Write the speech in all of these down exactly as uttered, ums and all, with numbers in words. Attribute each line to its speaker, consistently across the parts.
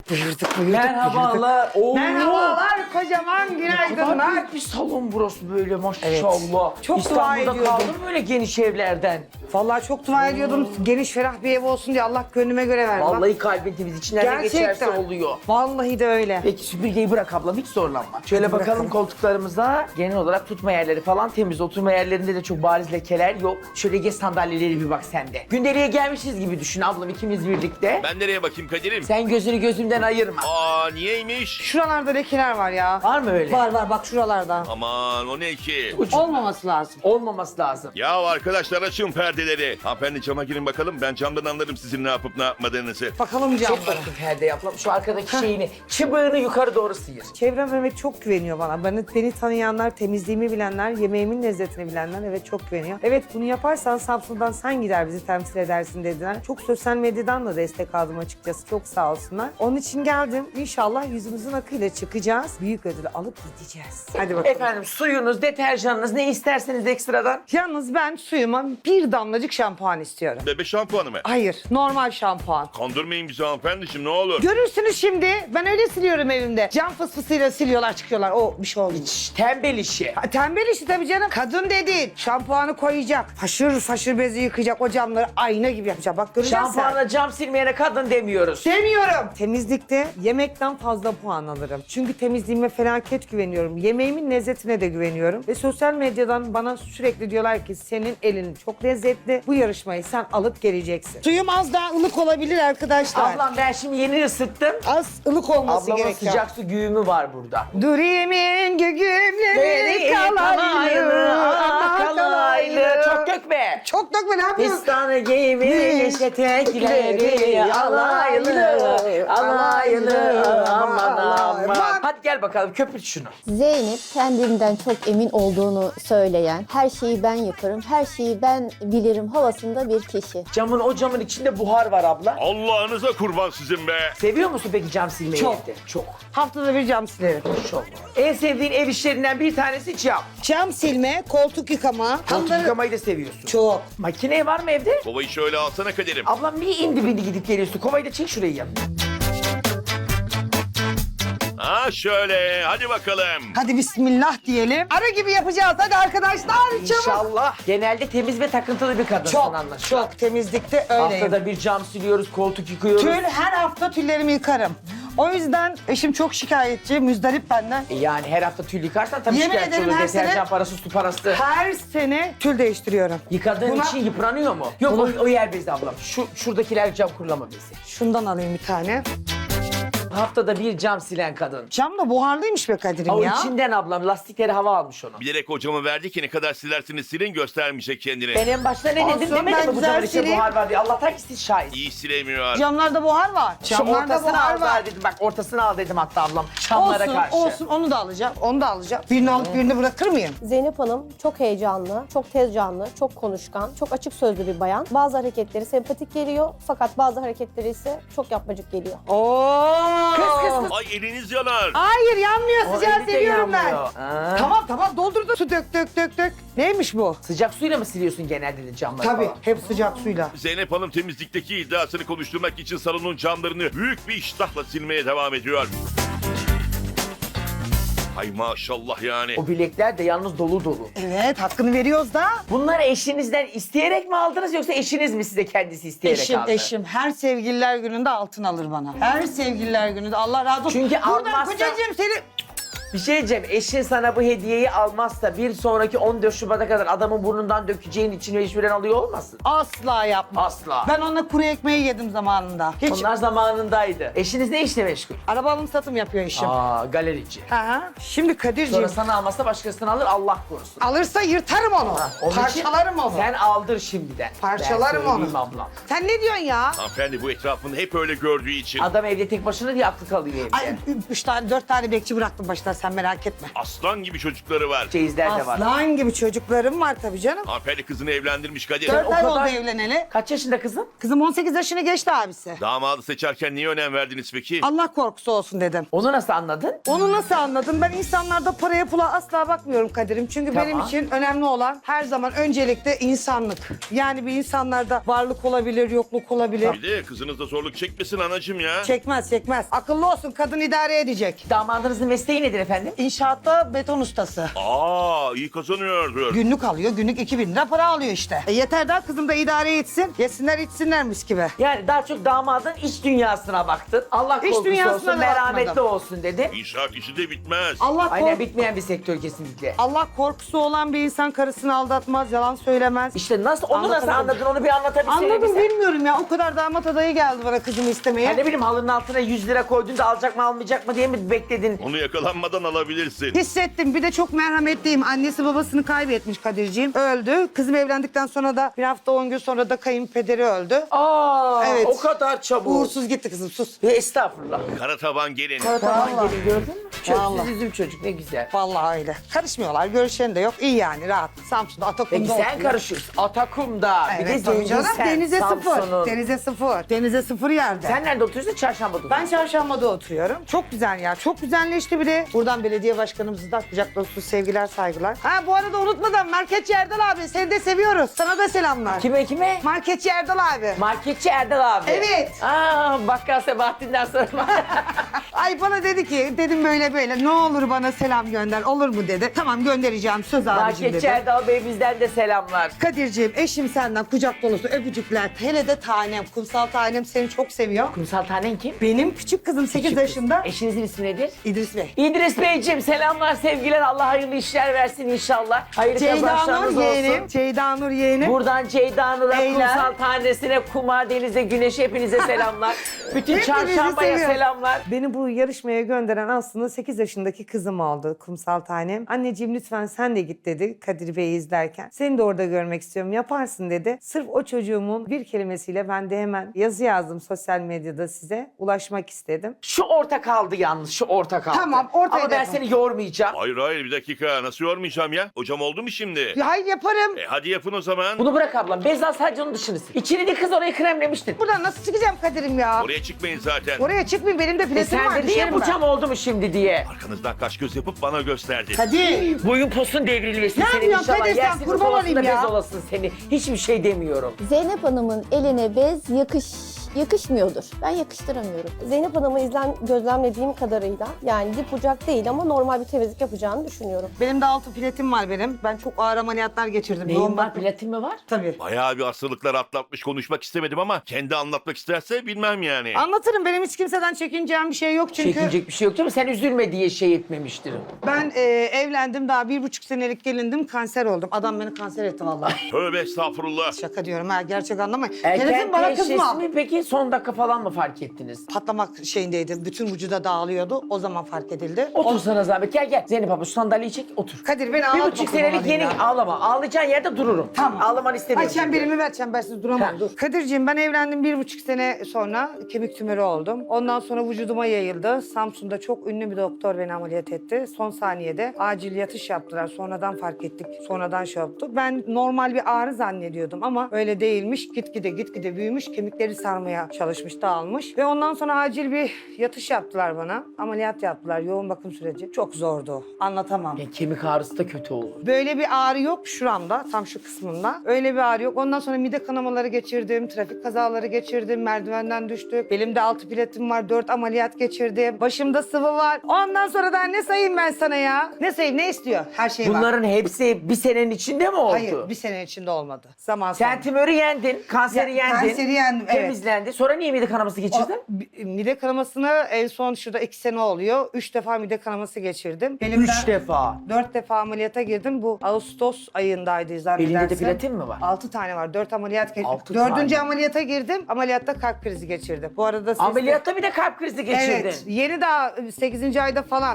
Speaker 1: Buyurduk buyurduk.
Speaker 2: Merhabalar. Oo.
Speaker 1: Merhabalar kocaman
Speaker 2: Ne kadar
Speaker 1: günaydınlar.
Speaker 2: büyük bir salon burası böyle maşallah.
Speaker 1: Evet. Çok dua
Speaker 2: İstanbul'da
Speaker 1: ediyordum.
Speaker 2: kaldı mı böyle geniş evlerden?
Speaker 1: Vallahi çok dua ediyordum geniş ferah bir ev olsun diye Allah gönlüme göre verdi. Bak,
Speaker 2: Vallahi kalbin temiz içinden ne geçerse
Speaker 1: gerçekten
Speaker 2: oluyor.
Speaker 1: Vallahi de öyle.
Speaker 2: Peki süpürgeyi bırak ablam hiç zorlanma. Şöyle
Speaker 1: Hadi
Speaker 2: bakalım
Speaker 1: bırakalım.
Speaker 2: koltuklarımıza. Genel olarak tutma yerleri falan temiz. Oturma yerlerinde de çok bariz lekeler yok. Şöyle geç sandalyeleri bir bak sen de. Gündeliğe gelmişiz gibi düşün ablam ikimiz birlikte.
Speaker 3: Ben nereye bakayım Kadir'im?
Speaker 2: Sen gözünü gözümden ayırma.
Speaker 3: Aa niyeymiş?
Speaker 1: Şuralarda lekeler var ya.
Speaker 2: Var mı öyle?
Speaker 1: Var var bak şuralarda.
Speaker 3: Aman o ne ki?
Speaker 2: Ucunda.
Speaker 1: Olmaması lazım.
Speaker 2: Olmaması lazım.
Speaker 3: Ya arkadaşlar açın perdeleri. Hanımefendi cama girin bakalım. Ben camdan anlarım sizin ne yapıp ne yapmadığınızı.
Speaker 1: Bakalım
Speaker 2: Çok
Speaker 1: camlara.
Speaker 2: bakın perde yapalım. Şu arkadaki şeyini, çıbığını yukarı doğru sıyır.
Speaker 1: Çevrem evet çok güveniyor bana. Beni, beni tanıyanlar, temizliğimi bilenler, yemeğimin lezzetini bilenler evet çok güveniyor. Evet bunu yaparsan Samsun'dan sen gider bizi temsil edersin dediler. Çok sosyal medyadan da destek aldım açıkçası. Çok sağ olsunlar. Onun için geldim. İnşallah yüzümüzün akıyla çıkacağız. Büyük ödülü alıp gideceğiz. Hadi bakalım.
Speaker 2: Efendim suyunuz, deterjanınız ne isterseniz ekstradan.
Speaker 1: Yalnız ben suyuma bir damlacık şampuan istiyorum.
Speaker 3: Bebe şampuanı mı?
Speaker 1: Hayır, normal şampuan.
Speaker 3: Kandırmayın bizi hanımefendiciğim ne olur.
Speaker 1: Görürsünüz şimdi. Ben öyle siliyorum evimde. Cam fısfısıyla siliyorlar çıkıyorlar. O bir şey olmuş.
Speaker 2: Şş, tembel işi.
Speaker 1: Ha, tembel işi tabii canım. Kadın dediğin şampuanı koyacak. Faşır faşır bezi yıkayacak. O camları ayna gibi yapacak. Bak göreceksin sen.
Speaker 2: Şampuanla cam silmeyene kadın demiyoruz.
Speaker 1: Demiyorum. Temizlikte yemekten fazla puan alırım. Çünkü temizliğime felaket güveniyorum. Yemeğimin lezzetine de güveniyorum. Ve sosyal medyadan bana sürekli diyorlar ki senin elin çok lezzetli. Bu yarışmayı sen alıp geleceksin. Suyum az daha ılık olabilir arkadaşlar.
Speaker 2: Ablam ben şimdi yeni ısıttım.
Speaker 1: Az ılık olması
Speaker 2: Ablamın
Speaker 1: gerekiyor.
Speaker 2: sıcak su güğümü var burada.
Speaker 1: Durimin gügümleri kalaylı.
Speaker 2: kalaylı. Çok dökme.
Speaker 1: Çok dökme ne yapıyorsun?
Speaker 2: Pistanı giymiş etekleri alaylı, alaylı, aman aman. Hadi gel bakalım köpürt şunu.
Speaker 4: Zeynep kendinden çok emin olduğunu söyleyen, her şeyi ben yaparım, her şeyi ben bilirim havasında bir kişi.
Speaker 2: Camın o camın içinde buhar var abla.
Speaker 3: Allah'ınıza kurban sizin be.
Speaker 2: Seviyor musun peki cam silmeyi?
Speaker 1: Çok.
Speaker 2: evde? Çok.
Speaker 1: Haftada bir cam silerim.
Speaker 2: Çok. En sevdiğin ev işlerinden bir tanesi cam.
Speaker 1: Cam silme, koltuk yıkama.
Speaker 2: Koltuk
Speaker 1: Hamları-
Speaker 2: yıkamayı da seviyorsun.
Speaker 1: Çok.
Speaker 2: Makine var mı evde?
Speaker 3: Kovayı şöyle alsana Kadir'im.
Speaker 2: Ablam bir indi bindi gidip geliyorsun. Kovayı da çek şurayı yanına.
Speaker 3: Ha şöyle hadi bakalım.
Speaker 1: Hadi bismillah diyelim. Ara gibi yapacağız. Hadi arkadaşlar çabuk.
Speaker 2: İnşallah. Genelde temiz ve takıntılı bir kadınsın
Speaker 1: Çok,
Speaker 2: anlaşılan.
Speaker 1: çok temizlikte öyleyim.
Speaker 2: Haftada bir cam siliyoruz, koltuk yıkıyoruz.
Speaker 1: Tül her hafta tüllerimi yıkarım. O yüzden eşim çok şikayetçi, müzdarip benden.
Speaker 2: E Yani her hafta tül yıkarsan tabii
Speaker 1: Yemin
Speaker 2: şikayetçi
Speaker 1: ederim
Speaker 2: olur.
Speaker 1: her
Speaker 2: Deterjan
Speaker 1: sene-
Speaker 2: parası, su parası.
Speaker 1: Her sene tül değiştiriyorum.
Speaker 2: Yıkadığın
Speaker 1: Buna-
Speaker 2: için yıpranıyor mu? Yok
Speaker 1: Buna-
Speaker 2: o, o yer bezi ablam. Şu, şuradakiler cam kurulama bezi.
Speaker 1: Şundan alayım bir tane.
Speaker 2: Haftada bir cam silen kadın.
Speaker 1: Cam da buharlıymış be Kadir'im
Speaker 2: O
Speaker 1: ya.
Speaker 2: içinden ablam lastikleri hava almış onu.
Speaker 3: Bilerek o camı verdi ki ne kadar silersiniz silin göstermeyecek kendini.
Speaker 2: Ben en başta ne
Speaker 1: Olsun,
Speaker 2: dedim
Speaker 1: ben
Speaker 2: demedim mi bu
Speaker 1: güzel
Speaker 2: camın içinde
Speaker 1: sileyim.
Speaker 2: buhar var diye. Allah'tan ki siz şahit.
Speaker 3: İyi silemiyor.
Speaker 1: Camlarda buhar var.
Speaker 2: Şu
Speaker 1: Camlarda
Speaker 2: ortasını
Speaker 1: buhar
Speaker 2: al
Speaker 1: var.
Speaker 2: daha dedim. Bak ortasını al dedim hatta ablam. Çamlara
Speaker 1: Olsun,
Speaker 2: karşı.
Speaker 1: olsun. Onu da alacağım, onu da alacağım. Birini alıp birini bırakır mıyım?
Speaker 4: Zeynep Hanım çok heyecanlı, çok tez canlı, çok konuşkan, çok açık sözlü bir bayan. Bazı hareketleri sempatik geliyor fakat bazı hareketleri ise çok yapmacık geliyor.
Speaker 1: Oo.
Speaker 2: Kız kız kız.
Speaker 3: Ay eliniz yanar.
Speaker 1: Hayır yanmıyor,
Speaker 2: O
Speaker 1: sıcağı
Speaker 2: eli de
Speaker 1: seviyorum ben.
Speaker 2: yanmıyor. Ha.
Speaker 1: Tamam tamam doldur da su dök dök dök dök. Neymiş bu?
Speaker 2: Sıcak suyla mı siliyorsun genelde de camları
Speaker 1: Tabii
Speaker 2: falan?
Speaker 1: hep sıcak suyla.
Speaker 3: Zeynep Hanım temizlikteki iddiasını konuşturmak için salonun camlarını büyük bir iştahla silmeye devam ediyor. Ay maşallah yani.
Speaker 2: O bilekler de yalnız dolu dolu.
Speaker 1: Evet hakkını veriyoruz da.
Speaker 2: Bunları eşinizden isteyerek mi aldınız yoksa eşiniz mi size kendisi isteyerek
Speaker 1: Eşim
Speaker 2: aldı?
Speaker 1: eşim her sevgililer gününde altın alır bana. Her sevgililer gününde Allah razı olsun.
Speaker 2: Çünkü
Speaker 1: Buradan
Speaker 2: almazsa-
Speaker 1: kocacığım seni...
Speaker 2: Bir şey diyeceğim, eşin sana bu hediyeyi almazsa bir sonraki on dört Şubat'a kadar adamın burnundan dökeceğin için mecburen alıyor olmasın?
Speaker 1: Asla yapma.
Speaker 2: Asla.
Speaker 1: Ben onunla kuru ekmeği yedim zamanında. Hiç.
Speaker 2: Onlar zamanındaydı. Eşiniz ne işle meşgul?
Speaker 1: Araba alım satım yapıyor eşim.
Speaker 2: Aa, galerici.
Speaker 1: Aha. Şimdi Kadir'ciğim
Speaker 2: Sonra sana almazsa başkasını alır, Allah korusun.
Speaker 1: alırsa yırtarım onu.
Speaker 2: Onun için
Speaker 1: Parçalarım onu.
Speaker 2: Sen aldır şimdiden.
Speaker 1: Parçalarım
Speaker 2: Ben söyleyeyim
Speaker 1: onu.
Speaker 2: ablam.
Speaker 1: Sen ne diyorsun ya?
Speaker 3: Hanımefendi bu etrafını hep öyle gördüğü için.
Speaker 2: Adam evde tek başına diye aklı kalıyor evde.
Speaker 1: Ay üç tane dört tane bekçi bıraktım başta. sen merak etme.
Speaker 3: Aslan gibi çocukları var.
Speaker 2: Çeyizler de var.
Speaker 1: Aslan gibi çocuklarım var tabii canım.
Speaker 3: Hanımefendi kızını evlendirmiş Kadir.
Speaker 1: Dört
Speaker 2: o
Speaker 1: ay
Speaker 2: kadar-
Speaker 1: oldu evleneli.
Speaker 2: Kaç yaşında kızın?
Speaker 1: Kızım on sekiz yaşını geçti abisi.
Speaker 3: Damadı seçerken niye önem verdiniz peki?
Speaker 1: Allah korkusu olsun dedim.
Speaker 2: Onu nasıl anladın?
Speaker 1: Onu nasıl anladın? Ben insanlarda paraya pula asla bakmıyorum Kadir'im. Çünkü
Speaker 2: Tamam.
Speaker 1: benim için önemli olan her zaman öncelikle insanlık. Yani bir insanlarda varlık olabilir, yokluk olabilir.
Speaker 3: Bir de kızınız da zorluk çekmesin anacığım ya.
Speaker 1: Çekmez, çekmez. Akıllı olsun, kadın idare edecek.
Speaker 2: Damadınızın mesleği nedir efendim?
Speaker 1: İnşaatta beton ustası.
Speaker 3: Aa iyi kazanıyordur.
Speaker 1: Günlük alıyor, günlük iki bin lira para alıyor işte. E yeter daha kızım da idare etsin. Yesinler içsinler mis gibi.
Speaker 2: Yani daha çok damadın iç dünyasına baktın. Allah
Speaker 1: İç
Speaker 2: korkusu
Speaker 1: dünyasına
Speaker 2: olsun,
Speaker 1: da
Speaker 2: merhametli
Speaker 1: bakmadım.
Speaker 2: olsun dedi.
Speaker 3: İnşaat işi de bitmez.
Speaker 1: Allah
Speaker 2: Aynen
Speaker 1: kork
Speaker 2: bitmeyen bir sektör kesinlikle.
Speaker 1: Allah korkusu olan bir insan karısını aldatmaz, yalan söylemez.
Speaker 2: İşte nasıl onu nasıl
Speaker 1: Anlatamadım.
Speaker 2: anladın onu bir anlatabilsene
Speaker 1: Anladım
Speaker 2: bize.
Speaker 1: bilmiyorum ya. O kadar damat adayı geldi bana kızımı istemeye.
Speaker 2: Ya ne bileyim halının altına yüz lira koydun da alacak mı almayacak mı diye mi bekledin?
Speaker 3: Onu yakalanmadan alabilirsin.
Speaker 1: Hissettim. Bir de çok merhametliyim. Annesi babasını kaybetmiş Kadir'ciğim. Öldü. Kızım evlendikten sonra da bir hafta on gün sonra da kayınpederi öldü.
Speaker 2: Aa,
Speaker 1: Evet.
Speaker 2: o kadar çabuk.
Speaker 1: Uğursuz gitti kızım sus.
Speaker 2: Ya estağfurullah.
Speaker 3: Kara taban gelin.
Speaker 2: Tamam
Speaker 1: Vallahi.
Speaker 2: gelin gördün mü?
Speaker 1: Vallahi.
Speaker 2: Çöpsüz üzüm çocuk ne güzel.
Speaker 1: Vallahi öyle. Karışmıyorlar. Görüşen de yok. İyi yani rahat. Samsun'da Atakum'da
Speaker 2: Peki sen
Speaker 1: oturuyor.
Speaker 2: karışıyorsun. Atakum'da. bir de
Speaker 1: Evet tabii canım.
Speaker 2: zenginsen.
Speaker 1: Denize sıfır.
Speaker 2: Samsun'un.
Speaker 1: Denize sıfır. Denize sıfır yerde.
Speaker 2: Sen nerede oturuyorsun? Çarşamba'da
Speaker 1: Ben Çarşamba'da oturuyorum. Çok güzel ya. Çok güzelleşti bir de. Buradan belediye başkanımıza da kucak dolusu sevgiler, saygılar. Ha bu arada unutmadan Marketçi Erdal abi seni de seviyoruz. Sana da selamlar.
Speaker 2: Kime kime?
Speaker 1: Marketçi Erdal abi.
Speaker 2: Marketçi Erdal abi.
Speaker 1: Evet.
Speaker 2: Aa, Bakkal Sebahattin'den sonra.
Speaker 1: Ay bana dedi ki dedim böyle böyle ne olur bana selam gönder olur mu dedi. Tamam göndereceğim söz abicim
Speaker 2: Marketçi
Speaker 1: dedi.
Speaker 2: Erdal Bey bizden de selamlar.
Speaker 1: Kadir'ciğim eşim senden kucak dolusu öpücükler. Hele de tanem, kumsal tanem seni çok seviyor.
Speaker 2: Kumsal tanen kim?
Speaker 1: Benim küçük kızım sekiz yaşında.
Speaker 2: Eşinizin ismi nedir?
Speaker 1: İdris Bey.
Speaker 2: İdris Beyciğim selamlar sevgiler. Allah hayırlı işler versin inşallah. Hayırlı
Speaker 1: Ceyda
Speaker 2: kazançlarınız
Speaker 1: Nur
Speaker 2: olsun.
Speaker 1: yeğenim. Ceyda Nur yeğenim.
Speaker 2: Buradan Ceyda Nur'a,
Speaker 1: Beyler.
Speaker 2: kumsal tanesine, kumar denize, güneşe hepinize selamlar. Bütün
Speaker 1: Hepinizi
Speaker 2: çarşambaya
Speaker 1: seviyorum.
Speaker 2: selamlar.
Speaker 1: Beni bu yarışmaya gönderen aslında sekiz yaşındaki kızım oldu kumsal tanem. Anneciğim lütfen sen de git dedi Kadir Bey'i izlerken. Seni de orada görmek istiyorum yaparsın dedi. Sırf o çocuğumun bir kelimesiyle ben de hemen yazı yazdım sosyal medyada size. Ulaşmak istedim.
Speaker 2: Şu orta kaldı yalnız, şu orta kaldı.
Speaker 1: Tamam, ortaya
Speaker 2: Ama ben
Speaker 1: yapalım.
Speaker 2: seni yormayacağım.
Speaker 3: Hayır hayır bir dakika nasıl yormayacağım ya? Hocam oldu mu şimdi?
Speaker 1: Ya hayır yaparım.
Speaker 3: E hadi yapın o zaman.
Speaker 2: Bunu bırak ablam. Bezal sadece onun dışını sil. İçini de kız orayı kremlemiştin.
Speaker 1: Buradan nasıl çıkacağım Kadir'im ya?
Speaker 3: Oraya çıkmayın zaten.
Speaker 1: Oraya çıkmayayım benim de
Speaker 2: E
Speaker 1: platim
Speaker 2: sen
Speaker 1: var.
Speaker 2: de diye
Speaker 1: düşerim
Speaker 2: bu
Speaker 1: ben.
Speaker 2: cam oldu mu şimdi diye.
Speaker 3: Arkanızdan kaş göz yapıp bana gösterdi.
Speaker 1: Kadir.
Speaker 2: Boyun posun devrilmesin
Speaker 1: Ne
Speaker 2: senin
Speaker 1: yapıyorsun
Speaker 2: inşallah.
Speaker 1: Kadir sen?
Speaker 2: Yersin
Speaker 1: Kurban
Speaker 2: olasın da
Speaker 1: olayım ya.
Speaker 2: bez olasın seni. Hiçbir şey demiyorum.
Speaker 4: Zeynep Hanım'ın eline bez yakış yakışmıyordur. Ben yakıştıramıyorum. Zeynep Hanım'ı izlen, gözlemlediğim kadarıyla yani dip bucak değil ama normal bir temizlik yapacağını düşünüyorum.
Speaker 1: Benim de altı platin var benim. Ben çok ağır ameliyatlar geçirdim.
Speaker 2: Neyin
Speaker 1: Yoğun
Speaker 2: var?
Speaker 1: bakım-
Speaker 2: Platin mi var?
Speaker 1: Tabii.
Speaker 3: Bayağı bir hastalıklar atlatmış konuşmak istemedim ama kendi anlatmak isterse bilmem yani.
Speaker 1: Anlatırım. Benim hiç kimseden çekineceğim bir şey yok çünkü.
Speaker 2: Çekinecek bir şey yok değil mi? Sen üzülme diye şey etmemiştir.
Speaker 1: Ben e, evlendim daha bir buçuk senelik gelindim kanser oldum. Adam beni kanser etti vallahi.
Speaker 3: Tövbe estağfurullah.
Speaker 1: Şaka diyorum ha gerçek anlamayın.
Speaker 2: Erken
Speaker 1: Telefon bana
Speaker 2: teşhis
Speaker 1: kızma.
Speaker 2: mi peki son dakika falan mı fark ettiniz?
Speaker 1: Patlamak şeyindeydi. Bütün vücuda dağılıyordu. O zaman fark edildi.
Speaker 2: Otur sana zahmet. Gel gel. Zeynep abla şu sandalyeyi çek otur.
Speaker 1: Kadir beni
Speaker 2: Bir
Speaker 1: ağlatma.
Speaker 2: buçuk
Speaker 1: kurban
Speaker 2: senelik
Speaker 1: olayım
Speaker 2: yeni
Speaker 1: ya.
Speaker 2: ağlama. Ağlayacağın yerde dururum.
Speaker 1: Tamam.
Speaker 2: Ağlamanı istemiyorum.
Speaker 1: Ay çemberimi ver çembersiz duramam
Speaker 2: Ha.
Speaker 1: dur. Kadir'ciğim ben evlendim bir buçuk sene sonra kemik tümörü oldum. Ondan sonra vücuduma yayıldı. Samsun'da çok ünlü bir doktor beni ameliyat etti. Son saniyede acil yatış yaptılar. Sonradan fark ettik. Sonradan şey yaptı. Ben normal bir ağrı zannediyordum ama öyle değilmiş. Gitgide gitgide büyümüş. Kemikleri sarmaya çalışmış, dağılmış. Ve ondan sonra acil bir yatış yaptılar bana. Ameliyat yaptılar. Yoğun bakım süreci. Çok zordu. Anlatamam.
Speaker 2: Yani kemik ağrısı da kötü olur.
Speaker 1: Böyle bir ağrı yok şuramda, tam şu kısmında. Öyle bir ağrı yok. Ondan sonra mide kanamaları geçirdim, trafik kazaları geçirdim, merdivenden düştük. Belimde altı platin var, dört ameliyat geçirdim. Başımda sıvı var. Ondan sonra da ne sayayım ben sana ya? Ne sayayım, ne istiyor? Her şey var.
Speaker 2: Bunların hepsi bir senenin içinde mi oldu?
Speaker 1: Hayır, bir sene içinde olmadı. Zaman
Speaker 2: Sen
Speaker 1: sonra.
Speaker 2: tümörü yendin, kanseri
Speaker 1: Ya,
Speaker 2: yendin.
Speaker 1: kanseri yendim, evet.
Speaker 2: Temizlendi. Sonra niye mide kanaması geçirdin?
Speaker 1: O, bi- mide kanamasını en son şurada iki sene oluyor. Üç defa mide kanaması geçirdim.
Speaker 2: Üç defa.
Speaker 1: Dört defa ameliyata girdim. Bu Ağustos ayındaydı zannedersem.
Speaker 2: Elinde de platin mi var?
Speaker 1: Altı tane var. Dört ameliyat geçirdim.
Speaker 2: Altı
Speaker 1: Dördüncü
Speaker 2: tane.
Speaker 1: ameliyata girdim. Ameliyatta kalp krizi geçirdim. Bu arada siz
Speaker 2: Ameliyatta bir de kalp krizi geçirdin.
Speaker 1: Evet. Yeni daha sekizinci ayda falan.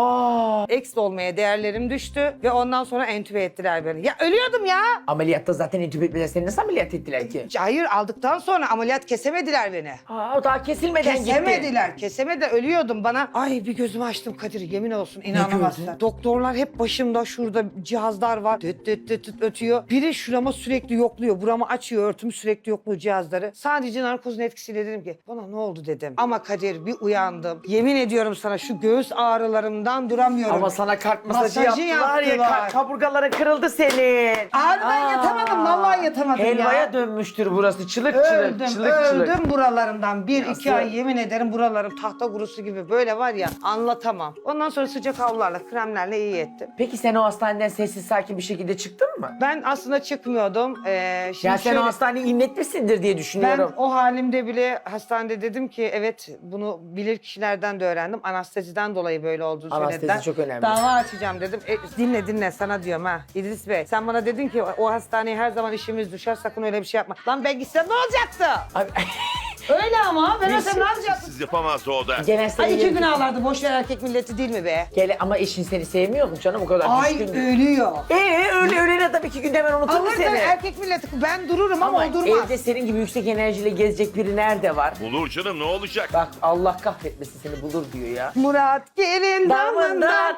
Speaker 2: Aa.
Speaker 1: Eks olmaya değerlerim düştü. Ve ondan sonra entübe ettiler beni. Ya ölüyordum ya.
Speaker 2: Ameliyatta zaten entübe etmeden seni nasıl ameliyat ettiler ki?
Speaker 1: Hayır aldıktan sonra ameliyat kesemedim. kesemediler beni.
Speaker 2: Aa, o daha kesilmeden gitti.
Speaker 1: Kesemediler, kesemediler. Ölüyordum bana. Ay bir gözümü açtım Kadir, yemin olsun inanamazsın.
Speaker 2: gördün?
Speaker 1: Doktorlar hep başımda, şurada cihazlar var. Düt düt düt düt ötüyor. Biri şurama sürekli yokluyor. Buramı açıyor, örtümü sürekli yokluyor cihazları. Sadece narkozun etkisiyle dedim ki bana ne oldu dedim. Ama Kadir bir uyandım. Yemin ediyorum sana şu göğüs ağrılarımdan duramıyorum.
Speaker 2: Ama sana kalp masajı,
Speaker 1: Masajı
Speaker 2: yaptılar, ya.
Speaker 1: yaptılar.
Speaker 2: ka- Kaburgaların kırıldı senin.
Speaker 1: Abi ben
Speaker 2: Aa.
Speaker 1: yatamadım, vallahi yatamadım
Speaker 2: Helvaya
Speaker 1: ya.
Speaker 2: dönmüştür burası. Çılık
Speaker 1: Öldüm,
Speaker 2: çılık, çılık
Speaker 1: öldüm
Speaker 2: çılık.
Speaker 1: buralarımdan. Bir,
Speaker 2: Nasıl?
Speaker 1: iki ay yemin ederim buralarım tahta kurusu gibi böyle var ya, anlatamam. Ondan sonra sıcak havlularla, kremlerle iyi ettim.
Speaker 2: Peki sen o hastaneden sessiz sakin bir şekilde çıktın mı?
Speaker 1: Ben aslında çıkmıyordum. Ee, şimdi
Speaker 2: Ya sen
Speaker 1: şöyle,
Speaker 2: o hastaneye inletmişsindir diye
Speaker 1: ben
Speaker 2: düşünüyorum.
Speaker 1: o halimde bile hastanede dedim ki evet, bunu bilir kişilerden de öğrendim. Anesteziden dolayı böyle olduğunu
Speaker 2: Anestezi
Speaker 1: söylediler.
Speaker 2: çok önemli.
Speaker 1: Dava açacağım dedim. E, dinle dinle sana diyorum ha İdris Bey. Sen bana dedin ki o hastaneye her zaman işimiz düşer, sakın öyle bir şey yapma. Lan ben gitsem ne olacaktı?
Speaker 2: Abi,
Speaker 1: Öyle ama ben
Speaker 2: Biz-
Speaker 1: olsam ne yapacaktım?
Speaker 3: Siz yapamazdı o da.
Speaker 2: Gelen seni
Speaker 1: Ay iki
Speaker 2: yerim-
Speaker 1: gün ağlardı. Boş ver, erkek milleti değil mi be?
Speaker 2: Gele, ama eşin seni sevmiyor mu canım o kadar
Speaker 1: Ay
Speaker 2: düşkün?
Speaker 1: ölüyor.
Speaker 2: Ee öyle öyle adam iki günde hemen unutur mu
Speaker 1: Alır da
Speaker 2: seni?
Speaker 1: erkek milleti. Ben dururum ama,
Speaker 2: Ama
Speaker 1: o durmaz.
Speaker 2: evde senin gibi yüksek enerjiyle gezecek biri nerede var?
Speaker 3: Bulur canım, ne olacak?
Speaker 2: Bak Allah kahretmesin seni bulur diyor ya.
Speaker 1: Murat gelin damından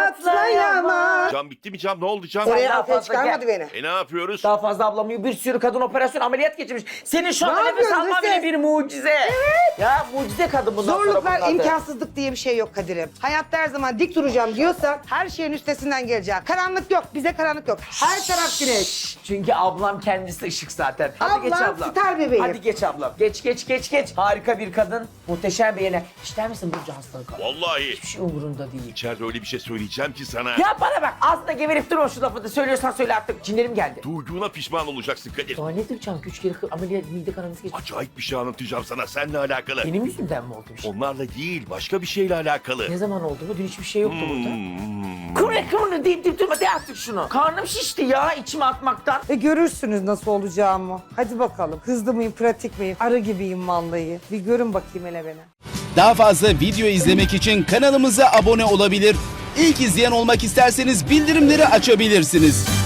Speaker 1: atlayamaz.
Speaker 3: Cam bitti mi cam? Ne oldu cam?
Speaker 2: Oraya-
Speaker 1: Oraya
Speaker 2: daha
Speaker 1: afiyet
Speaker 2: fazla
Speaker 1: çıkarmadı
Speaker 2: gel.
Speaker 1: beni.
Speaker 3: E ne yapıyoruz?
Speaker 2: Daha fazla ablamıyor. Bir sürü kadın operasyon ameliyat geçirmiş. Senin şu
Speaker 1: Ne
Speaker 2: anda nefes
Speaker 1: yapıyorsun
Speaker 2: alman
Speaker 1: sen?
Speaker 2: bile bir mucize. Ya mucize kadın bundan sonra bunun
Speaker 1: Zorluklar,
Speaker 2: adı.
Speaker 1: imkansızlık diye bir şey yok Kadir'im. Hayatta her zaman dik duracağım diyorsan her şeyin üstesinden geleceğim. Karanlık yok, bize karanlık yok. Her taraf güneş.
Speaker 2: Çünkü ablam kendisi ışık zaten. Hadi
Speaker 1: Ablam
Speaker 2: geç ablam.
Speaker 1: star bebeğim.
Speaker 2: Hadi geç ablam. Geç geç geç geç. Harika bir kadın. Muhteşem bir yeğene. İster misin Burcu hastalık?
Speaker 3: Vallahi.
Speaker 2: Hiçbir şey umurunda değil.
Speaker 3: İçeride öyle bir şey söyleyeceğim ki sana.
Speaker 2: Ya bana bak ağzına geverip durma şu lafı da söylüyorsan söyle artık. Cinlerim geldi.
Speaker 3: Duyduğuna pişman olacaksın Kadir.
Speaker 2: Daha ne diyeceğim? Üç kere ameliyat mide kanaması geçti.
Speaker 3: Acayip bir şey anlatacağım sana, seninle alakalı.
Speaker 2: Benim yüzümden mi oldu bir şey?
Speaker 3: Onlarla değil, başka bir şeyle alakalı.
Speaker 2: Ne zaman oldu bu? Dün hiçbir şey yoktu burada.
Speaker 3: Hmm.
Speaker 2: Kıvrı kıvrı deyip deyip durma de artık şunu. Karnım şişti ya içime atmaktan.
Speaker 1: E görürsünüz nasıl olacağımı. Hadi bakalım. Hızlı mıyım, pratik miyim? Arı gibiyim vallahi. Bir görün bakayım hele beni.
Speaker 5: Daha fazla video izlemek için kanalımıza abone olabilir. İlk izleyen olmak isterseniz bildirimleri açabilirsiniz.